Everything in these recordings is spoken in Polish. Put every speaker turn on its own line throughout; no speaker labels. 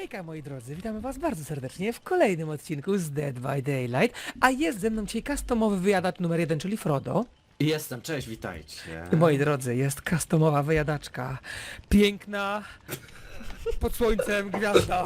Hejka moi drodzy, witamy was bardzo serdecznie w kolejnym odcinku z Dead by Daylight, a jest ze mną dzisiaj customowy wyjadacz numer 1, czyli Frodo.
Jestem, cześć, witajcie.
I moi drodzy, jest customowa wyjadaczka, piękna, pod słońcem gwiazda.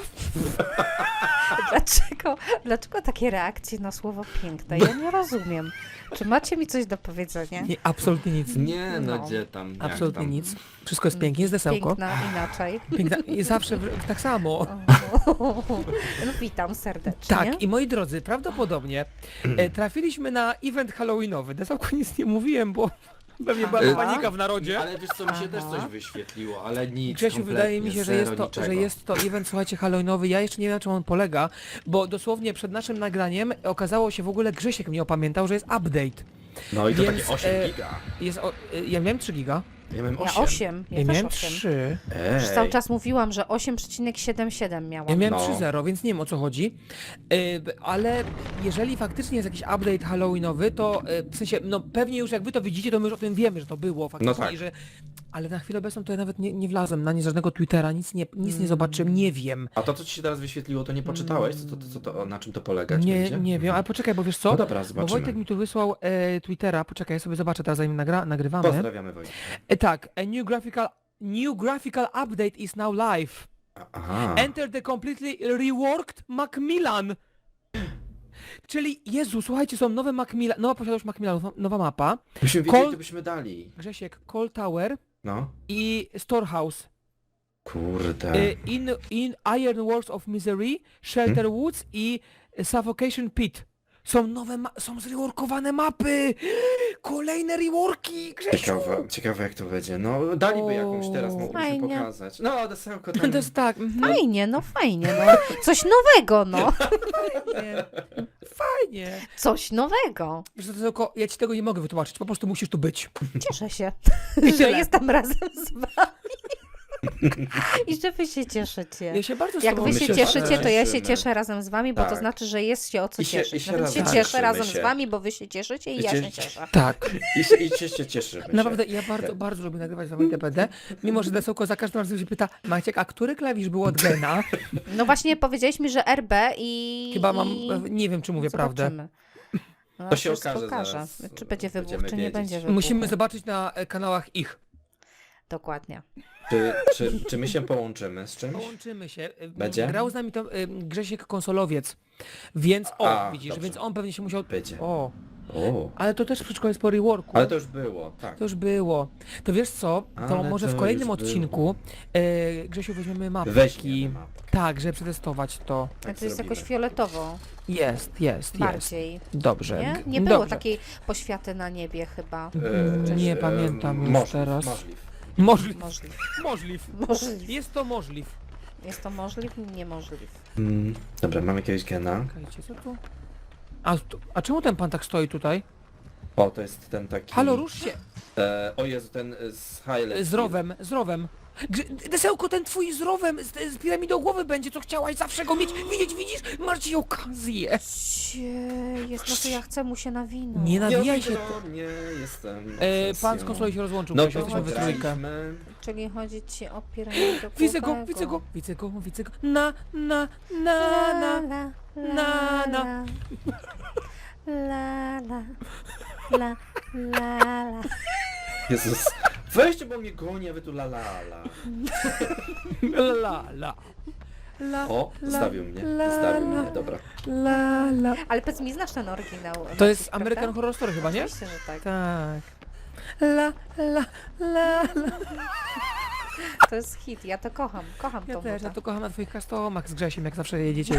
Dlaczego takie reakcje na słowo piękne? Ja nie rozumiem. Czy macie mi coś do powiedzenia?
Nie, absolutnie nic,
Nie, no
No.
gdzie tam, jak
absolutnie
tam.
nic. Wszystko jest pięknie, jest desełko.
Piękna inaczej.
Piękna i zawsze tak samo.
No, witam serdecznie.
Tak, i moi drodzy, prawdopodobnie trafiliśmy na event halloweenowy. Desełko nic nie mówiłem, bo pewnie była
Aha.
panika w narodzie.
Ale wiesz co, mi się też
Aha.
coś wyświetliło, ale nic,
Grzesiu,
kompletnie,
wydaje mi się, że
zero, niczego.
jest to event, słuchajcie, halloweenowy. Ja jeszcze nie wiem, na czym on polega, bo dosłownie przed naszym nagraniem okazało się w ogóle, Grzesiek mnie opamiętał, że jest update.
No i to
więc,
takie 8 giga.
Ja miałem 3 giga,
Ja miałem 8.
Ja 8.
ja
Ja
miałem
też 8.
3,
Już cały czas mówiłam, że 8,77 miałam.
ja miałem
No.
3.0, więc nie wiem o co chodzi. Ale jeżeli faktycznie jest jakiś update halloweenowy, to w sensie, no pewnie już jak wy to widzicie, to my już o tym wiemy, że to było faktycznie,
No tak.
że... Ale na chwilę obecną to ja nawet nie wlazłem na nie żadnego Twittera, nic nie zobaczyłem, nie wiem.
A to, co ci się teraz wyświetliło, to nie poczytałeś? Na czym to polegać
Nie,
będzie?
nie wiem, ale poczekaj, bo wiesz co?
No dobra,
Bo
zobaczymy.
Wojtek mi tu wysłał Twittera, poczekaj, ja sobie zobaczę teraz zanim nagrywamy.
Pozdrawiamy Wojtka.
Tak, a new graphical update is now live.
Aha.
Enter the completely reworked Macmillan. Czyli, Jezu, słuchajcie, są nowe Macmillan, nowa posiadłość Macmillan, nowa mapa.
Byśmy wiedzieli,
Kol-
to byśmy dali.
Grzesiek, Call Tower
No.
i Storehouse.
Kurde.
In Iron Works of Misery, Shelter Woods i Suffocation Pit. Są nowe, są zreworkowane mapy! Kolejne reworki, Grzesiu!
Ciekawe jak to będzie. No, daliby jakąś teraz, moglibyśmy
Fajnie.
pokazać. No, desełko tam.
To jest tak,
Fajnie, no. Coś nowego, no.
fajnie, fajnie.
Coś nowego.
Wiesz co, to tylko, ja ci tego nie mogę wytłumaczyć, po prostu musisz tu być.
Cieszę się,
I
że
tyle.
jestem razem z wami. I że wy się cieszycie.
Ja się bardzo z
Jak
tobą
wy
My
się
się
cieszycie, to ja się
cieszymy.
cieszę razem z wami, bo to
Tak.
znaczy, że jest się o co
I się
cieszyć.
razem
Nawet się
cieszymy
cieszę razem
się.
z wami, bo wy się cieszycie i
I
ja się
cie-
cieszę.
Tak,
I się cieszymy się.
naprawdę ja bardzo lubię nagrywać z wami DPD, mimo że Desełko za każdym razem się pyta, Maciek, a który klawisz był od Gena?
No właśnie powiedziałeś mi, że RB i...
Chyba mam,
i...
nie wiem czy mówię prawdę.
Zobaczymy. No,
To się
wszystko
okaże zaraz.
Czy będzie wybuch,
Będziemy
czy nie
wiedzieć.
będzie wybuchu.
Musimy zobaczyć na kanałach ich.
Dokładnie.
Czy my się połączymy z czymś?
Połączymy się.
Będzie?
Grał z nami to Grzesiek Konsolowiec, więc widzisz,
dobrze.
więc on pewnie się musiał...
Będzie.
O,
O,
ale to też wszystko jest po reworku.
ale to już było, tak.
To już było. To wiesz co, to
Ale
może
to
w kolejnym
już
odcinku Grzesiu weźmiemy mapki.
Weźmiemy mapkę.
Tak, żeby przetestować to.
Tak
to jest
zrobimy.
jakoś fioletowo
Jest.
bardziej.
Dobrze.
Nie? Nie było
Dobrze.
takiej poświaty na niebie chyba.
Nie pamiętam już
możliw,
teraz.
Możliw.
Możliw.
Możliw.
Możliw. Jest to możliw.
Jest to możliw? Niemożliw.
Dobra, mam jakiegoś gena.
Czekajcie, co tu? A czemu ten pan tak stoi tutaj?
O, to jest ten taki...
Halo, rusz się!
O Jezu, ten z Highlight.
Z rowem. Desełko, ten twój z rowem, z piramidą głowy będzie, co chciałaś zawsze go mieć. Widzisz? Masz dzisiaj okazję.
Jest, no to ja chcę mu się nawinąć.
Nie nawijaj się.
Nie, jestem.
Pan z konsoli się rozłączył,
No
bo
to
jesteśmy we trójkę.
graliśmy.
Czyli chodzi ci o piramidę
Widzę go. Na.
La, la, la,
Na.
la. La, la. La, la, la.
Jezus. Weźcie, bo mnie goni, a wy tu la la la.
La.
O,
La,
zostawił mnie.
la,
Zostawił
la.
mnie, dobra.
Ale powiedz mi, znasz ten oryginał?
To jest
prawda?
American Horror Story chyba, nie?
Oczywiście, że tak.
Tak. La.
To jest hit, ja to kocham. Kocham
Ja
tą
też, ja
nutę.
to kocham na twoich customach z Grzesiem, jak zawsze jedziecie.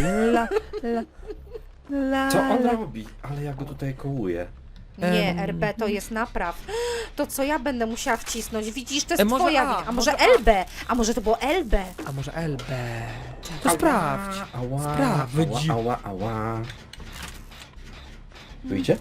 La.
Co on robi? Ale ja go tutaj kołuję.
Nie, RB to jest napraw. To co ja będę musiała wcisnąć? Widzisz, to jest
Może
twoja
A,
wina. A może
może A.
LB? A może to było LB?
A może LB? To sprawdź.
Ała,
Sprawdź.
ała. Wyjdzie?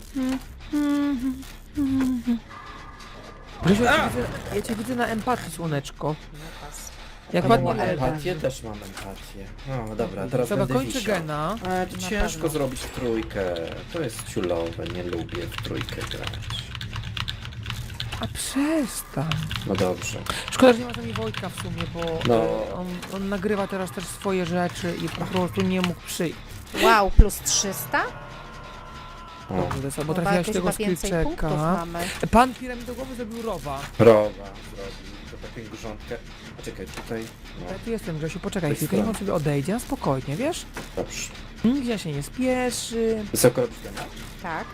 Grzesiu, ja cię widzę na empatii, słoneczko. Jak
To
ładnie
było
LB.
Empatię? Też mam empatię. No dobra, teraz
Dobra,
będę
kończę
wisiał.
gena.
Ale to
Na
ciężko
pewno.
zrobić w trójkę. To jest ciulowe, nie lubię w trójkę grać.
A przestań.
No dobrze.
Szkoda, że nie ma z nami Wojtka w sumie, bo
No.
on nagrywa teraz też swoje rzeczy i po prostu nie mógł przyjść.
Wow, plus 300?
O,
Dobrze, bo
Chyba
trafiłaś
jakieś
tego
chyba więcej punktów
skillczeka.
mamy.
Pan piramidowy zrobił rowa.
rowa zrobił. To taką grządkę. A czekaj, tutaj. No,
Ja tu jestem, Grzesiu, poczekaj
To
chwilkę,
jest
niech on sobie odejdzie, na spokojnie, wiesz?
dobrze.
Nigdzie się nie spieszy.
Wysoko robisz temat?
Tak.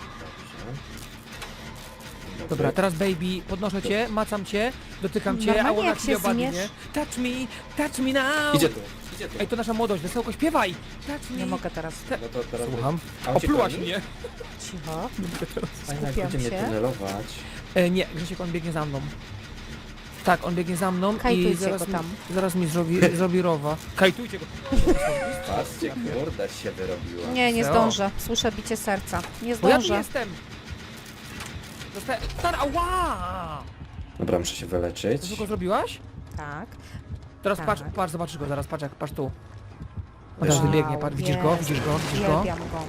Dobrze.
Dobra, teraz baby, podnoszę cię, macam cię, dotykam cię,
Normalnie
a ona
jak
cię
się
obadnie.
zmierz-
Touch me now!
Idzie tu, idzie tu.
Ej, to nasza młodość, wesołko śpiewaj! Touch me!
Nie mogę teraz.
No to teraz...
Słucham.
A on cię
Oplułaś
goni?
mnie!
Cicho.
Fajnie, jak
Skupiam
będzie mnie
się.
tunelować.
Nie, Grzesiek, on biegnie za mną. Tak, on biegnie za mną i
Kajtujcie
zaraz,
go tam.
zaraz mi zrobi rowa. Kajtujcie go!
Patrzcie, kurde się wyrobiła.
Nie, nie
Co?
zdążę. Słyszę bicie serca. Nie
Bo ja tu
zdążę.
jestem! Dostałem... Ała!
Dobra, muszę się wyleczyć.
Co tylko zrobiłaś?
Tak.
Teraz
Tak.
patrz, zobaczysz go zaraz, patrz tu. On
Wiesz-
teraz wybiegnie, patrz, widzisz go,
jest.
widzisz go, widzisz go?
Uwielbiam go.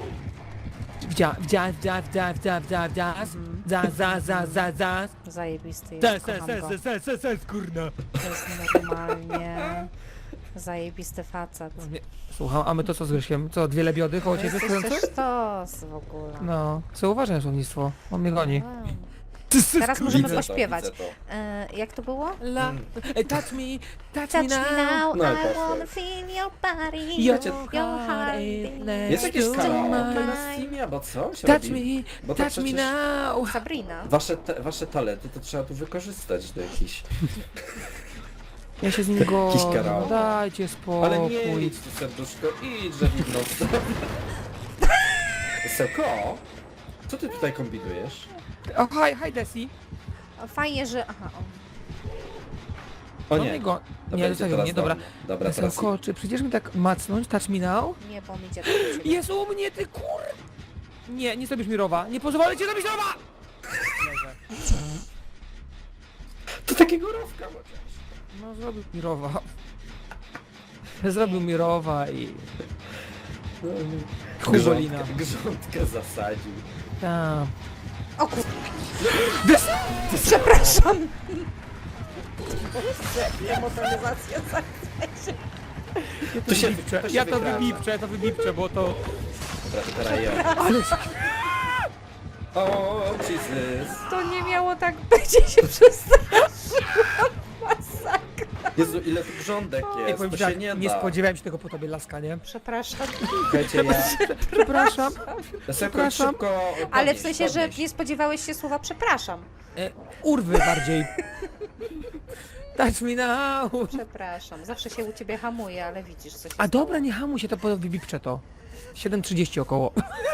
Zajebisty jest, kocham go.
Kurna.
To jest normalnie zajebisty facet.
Słucham, a my to co z Grzesiem? Co, dwie lebiody koło ciebie
Jesteś
stojące?
też sztos w ogóle.
No, co uważaj słownictwo, on mnie goni.
Wow. Teraz możemy
Widzę to,
pośpiewać.
widzę to.
Jak to było?
Touch me
Touch me now,
No i
I
poszło.
wanna feel your body,
Your
your heart
Jest jakieś
to
karaoke
mine.
na Steamie, albo co się
Touch
robi?
me,
Bo to
touch me
przecież-
now.
Sabrina.
Wasze talenty to trzeba tu wykorzystać do jakichś...
Ja się z nim godzę,
karaoke.
dajcie
Ale nie
spokój.
idź tu serduszko, idź, że widno. Seko? Co ty tutaj kombinujesz?
O, hi Desi.
Fajnie, że... Aha,
O
No
nie.
go.
To
Nie,
będzie
zostawiam,
teraz
nie, dobra.
do mnie. Dobra, teraz...
Wesołko, czy przyjdziesz mi tak macnąć, touch me now?
nie, bo on idzie do ciebie.
Jest u mnie, ty kur... Nie, nie zrobisz mi rowa. Nie pozwolę ci zrobić rowa!
To takiego rowka chociaż.
No, zrobił mi rowa. Zrobił mi rowa i... Hugolina.
Grządkę zasadził.
Tak.
O kur... Przepraszam. Motoryzacja
To się,
Ja to
wygradza.
wybipczę, bo to...
Dobra, to teraz ja.
Ale...
O, Jesus.
To nie miało tak być, ja się przestraszyłam. Masakra.
Jezu, ile tu grządek
Nie,
jest,
powiem
to
tak,
się nie
nie
da.
spodziewałem się tego po tobie, laska, nie?
Przepraszam.
Słuchajcie, ja...
Przepraszam.
Szybko
Ale w
podnieś,
sensie, że
podnieś.
nie spodziewałeś się słowa przepraszam.
Urwy bardziej. Touch me now.
Przepraszam. Zawsze się u ciebie hamuje, ale widzisz co się
A
stało.
dobra, nie hamuj się, to wybipczę to. 7:30 około.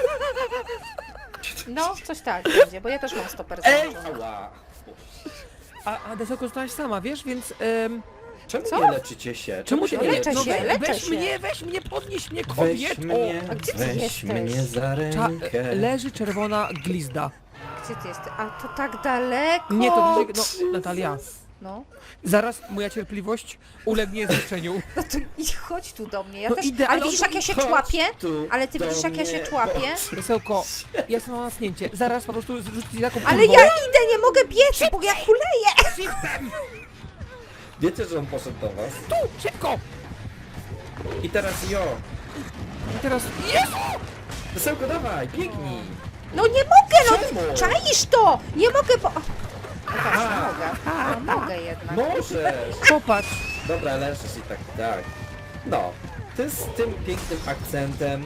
No, coś tak będzie, bo ja też mam stoper założony.
Ała.
A Desoko zostałaś sama, wiesz, więc...
Czemu
Co?
nie leczycie się?
Czemu się
No, leczę się, leczę
weź mnie, podnieś mnie,
Weź
kobieto!
mnie,
A gdzie ty
weź
jesteś?
mnie za rękę.
Leży czerwona glizda.
Gdzie ty jesteś? A to tak daleko!
Nie, to no, Natalia.
No,
Zaraz moja cierpliwość ulegnie zniszczeniu.
no to idź, chodź tu do mnie. Ja
No
też...
idę,
ale
ale
widzisz
on
jak ja się
Chodź
człapię?
tu
Ale ty
do
widzisz jak ja się
mnie.
człapię?
Wesołko, ja jestem na nasnięcie. Zaraz po prostu rzucić taką
Ale
kurwą.
ja idę, nie mogę biec, bo ja kuleję!
Shiftem!
Wiecie, że on poszedł do was?
Tu, szybko!
I teraz jo.
I teraz... Jezu!
Wesełko, dawaj, biegnij.
No nie mogę, no!
Czemu?
Czaisz to! Nie mogę, bo... O, teraz mogę. No, mogę jednak.
Możesz.
Popatrz.
Dobra, leżysz i tak, tak. No, ty z tym pięknym akcentem.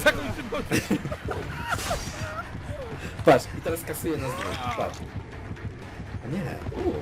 Patrz, i teraz kasuje nas dwóch. Patrz. A nie.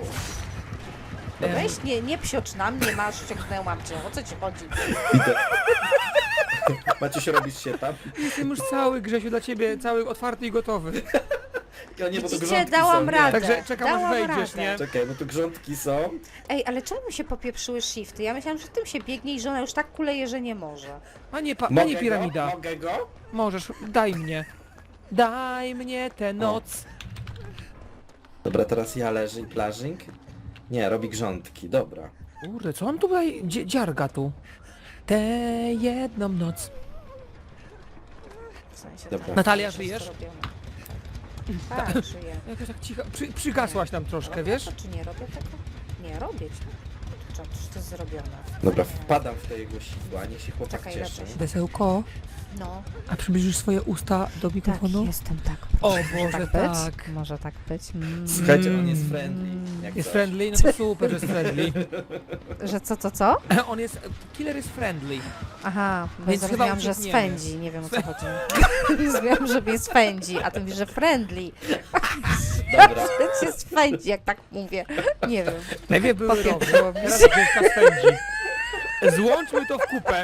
Weź, nie psiocz na mnie, masz, ściągnęłam cię. O co ci chodzi?
Idę. Maciuś, robisz się tam?
Jestem już cały, Grzesiu, dla ciebie, cały otwarty i gotowy.
Ja nie, bo to
Widzicie,
grządki
dałam
są,
radę.
Także czekam, aż
Dałam
wejdziesz,
radę.
nie?
Czekaj, bo tu grządki są.
Ej, ale czemu mi się popieprzyły shifty? Ja myślałam, że tym się biegnie i że ona już tak kuleje, że nie może.
Panie piramida.
Mogę go?
Możesz, daj mnie. Daj mnie tę noc.
Dobra, teraz ja leżę i plażing. Nie, robi grządki, dobra.
Kurde, co on tutaj dziarga tu? Tę jedną noc.
W sensie
Dobra.
tak,
Natalia,
że
żyjesz?
to robią. Tak, żyję.
Jakoś tak cicho, przygasłaś nam troszkę, wiesz?
To czy nie robię tego? Nie, robię ci. Czy to jest zrobione?
Dobra,
Nie.
wpadam w te jego sidła, niech się chłopak
Czekaj,
cieszy.
lepiej.
Desełko,
No,
a przybliżysz swoje usta do
tak,
mikrofonu?
jestem tak.
O
Może
Boże,
tak
tak.
być? Może tak być?
Słuchajcie, on jest friendly. Jak
Jest
coś.
friendly? No to super, że jest friendly.
Że co?
On jest, killer jest friendly.
Aha, bo
Więc chyba
zrozumiałam, że
uciekniemy.
swędzi, nie wiem o co chodzi. Zrozumiałam, że mnie swędzi, a ty mówisz, że friendly.
Dobra.
Że cię swędzi, jak tak mówię. Nie wiem.
Najpierw były
Popieprzyło
rowy,
mi
teraz
się.
Grzeszka spędzi. Złączmy to w kupę.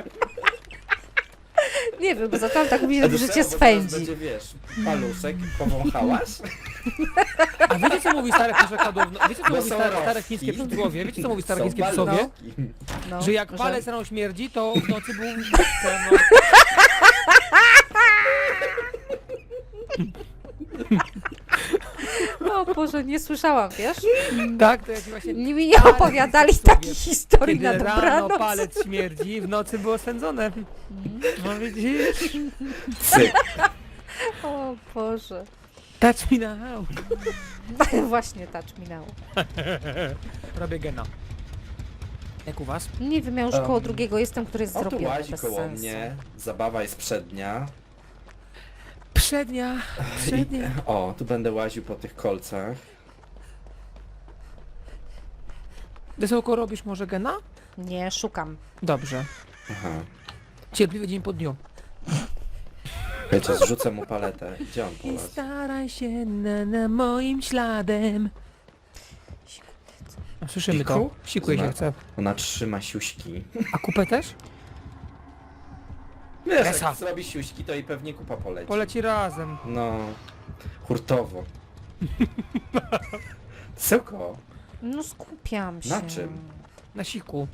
Nie wiem, bo zaczęłam tak mówić, że cię
Bo teraz
swędzi.
będzie, wiesz, paluszek, powąchałaś?
A wiecie co mówi stare przekładowno? Wiecie co
Bo
mówi
są
stare
rowki.
chińskie przysłowie? Wiecie co mówi stare
Są
chińskie przysłowie?
paluszki.
No,
Że jak
że-
palec rano śmierdzi, to w nocy był... No.
O Boże, nie słyszałam, wiesz?
Tak, to jak właśnie...
Mi nie
Ale
opowiadali
przysłowie.
takich historii na
Kiedy rano
dobranoc.
palec śmierdzi, w nocy było swędzone. No widzisz?
Cyk.
O Boże.
Touch me now.
Właśnie touch me now.
Robię gena. Jak u was?
Nie wiem, ja już koło
Um,
drugiego jestem, który jest
O, tu
zrobiony
łazi
bez
koło
sensu.
mnie. Zabawa jest przednia.
Przednia. Przednia.
O, tu będę łaził po tych kolcach.
Desełko, robisz może gena?
Nie, szukam.
Dobrze.
Aha.
Cierpliwy dzień po dniu.
Wiecie, zrzucę mu paletę. Gdzie on
I
polazł?
staraj się na moim śladem. A słyszymy to.
Siku?
Sikuje się
Zna-
chce.
Ona trzyma siuśki.
A kupę też?
Wiesz,
Esa.
jak zrobi siuśki, to i pewnie kupa poleci.
Poleci razem.
No, hurtowo. Tylko.
No skupiam się.
Na czym?
Na siku.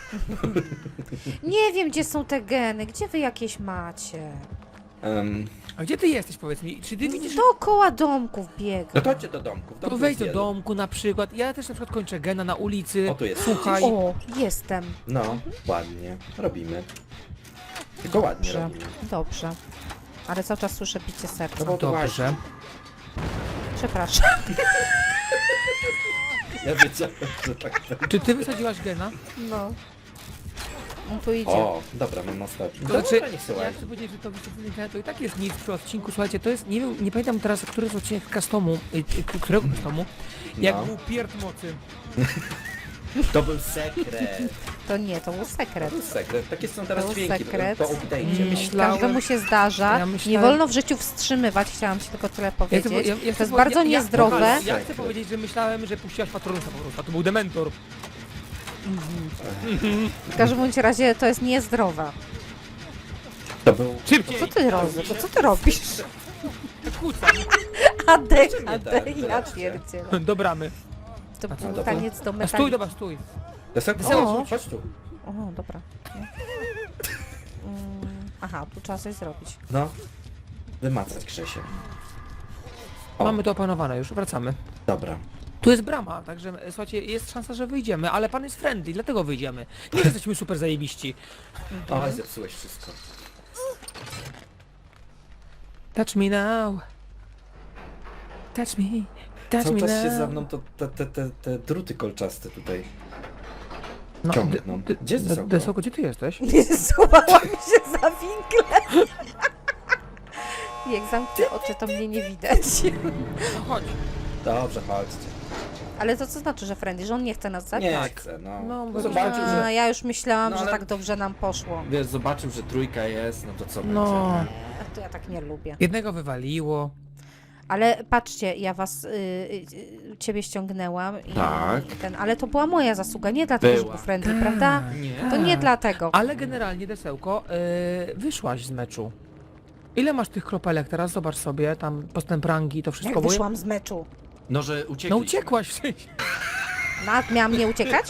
Nie wiem, gdzie są te geny. Gdzie wy jakieś macie?
A gdzie ty jesteś, powiedz mi? Czy ty widzisz...
Dookoła domków biegam.
No to chodźcie do domku. W
To
domku
wejdź
jest
do
wielu.
domku na przykład. Ja też na przykład kończę gena na ulicy.
O, tu jest.
Słuchaj.
O, jestem.
No, ładnie. Robimy. Tylko ładnie
Dobrze.
robimy.
Dobrze. Ale cały czas słyszę bicie serca.
No bo to łazi.
Dobrze.
Przepraszam.
Ja wiedziałem, że tak będzie.
Czy ty wysadziłaś gena?
No. On tu idzie.
O, dobra, mam ostatni.
To
Dobra,
znaczy,
niech se
ja
łazi.
chcę powiedzieć, że to wyciągnięcie to i tak jest nic przy odcinku. Słuchajcie, to jest, nie wiem, nie pamiętam teraz, który jest odcinek customu, którego customu, jak
No.
był pierd mocy.
To był sekret.
To nie, to był sekret.
To był sekret. Takie są teraz
To był
dźwięki.
sekret.
Po update'cie.
Myślałem-
Każdemu się zdarza.
Ja myślałem-
Nie wolno w życiu wstrzymywać, chciałam ci tylko tyle powiedzieć.
Ja
to jest bardzo niezdrowe.
Ja chcę
Sekret.
powiedzieć, że myślałem, że puściłaś Patronusa po prostu, a to był Dementor.
W każdym bądź razie to jest niezdrowe.
To był...
Szybciej!
Co ty robisz? Co ty robisz?
Kłócam.
AD, ja
Wyraźnie.
pierdzielę.
Do bramy.
To
A,
był
dobra.
taniec do
A stój,
metali.
dobra, stój.
Desełko, chodź tu.
O, dobra. Nie? Aha, tu trzeba coś zrobić.
No. Wymacać Krzesie. O,
Mamy to opanowane już, wracamy.
dobra.
Tu jest brama, także słuchajcie, jest szansa, że wyjdziemy, ale pan jest friendly, dlatego wyjdziemy. Nie, że jesteśmy super zajebiści.
O, zepsułeś wszystko.
Touch me now. Touch me. Touch
Cały
me
czas
now.
się za mną to te druty kolczaste tutaj.
No,
ciągną. Gdzie jest Desełko?
Desełko, gdzie ty jesteś?
Złapałam się za winklem. Jak zamknę oczy, to mnie nie widać.
No chodź.
Dobrze, chodźcie.
Ale to co znaczy, że friendly, że on nie chce nas zabić?
Nie chcę, no.
No, bo-
Zobaczył,
A,
że...
ja już myślałam,
No,
że
ale-
tak dobrze nam poszło.
Wiesz, zobaczył, że trójka jest, no to co
No.
będzie?
To ja tak nie lubię.
Jednego wywaliło.
Ale patrzcie, ja was, ciebie ściągnęłam i
Tak.
ale to była moja zasługa, nie dlatego, że
Była.
był friendly,
Tak.
prawda?
Nie.
To nie dlatego.
Ale generalnie, Desełko, wyszłaś z meczu. Ile masz tych kropelek teraz? Zobacz sobie, tam postęp rangi, to wszystko.
Jak
bo-
wyszłam z meczu.
No, że uciekli.
No uciekłaś w sensie.
Miałam nie uciekać?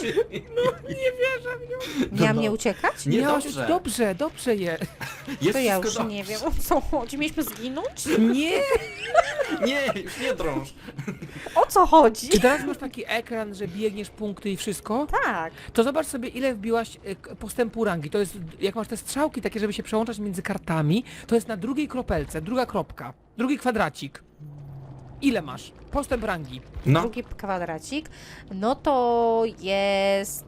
Miałam nie uciekać?
Nie,
Miałaś-
dobrze.
dobrze je.
Jest
To ja
wszystko
już nie wiem, o co chodzi. Mieliśmy zginąć?
Nie!
Nie, już nie drąż.
O co chodzi?
Czy teraz masz taki ekran, że biegniesz punkty i wszystko?
Tak.
To zobacz sobie, ile wbiłaś postępu rangi. To jest, jak masz te strzałki takie, żeby się przełączać między kartami, to jest na drugiej kropelce, druga kropka, drugi kwadracik. ile masz? Postęp rangi.
No,
Drugi kwadracik, no to jest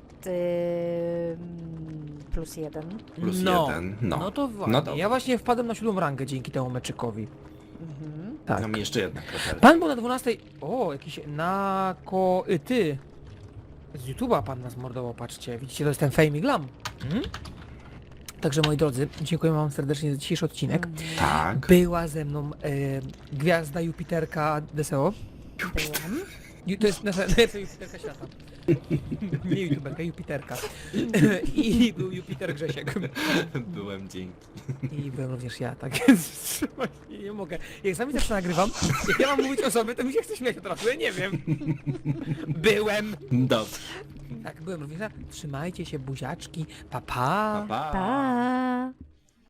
+1.
plus
no,
1. No,
no to właśnie.
No dobra.
Ja właśnie wpadłem na 7 rangę dzięki temu meczykowi.
Mhm.
Tak.
Mam jeszcze jedna kropelka.
Pan był na 12. O, jakiś ty. Z YouTube'a pan nas mordował, patrzcie. Widzicie, to jest ten Fame i Glam. Także moi drodzy, dziękuję wam serdecznie za dzisiejszy odcinek.
Tak.
Była ze mną gwiazda Jupiterka DSO.
Byłam.
To jest nasza najlepsza Jupiterka świata. Nie YouTuberka, Jupiterka. I był Jupiter Grzesiek.
Byłem dzięki.
I byłem również ja, tak więc właśnie nie mogę. Jak sami zawsze nagrywam, jak ja mam mówić o sobie, to mi się chce śmiać od razu, ja nie wiem. Byłem.
Dobrze.
Tak, byłem również ja. Trzymajcie się, buziaczki. Pa, pa.
Pa, pa.
Pa!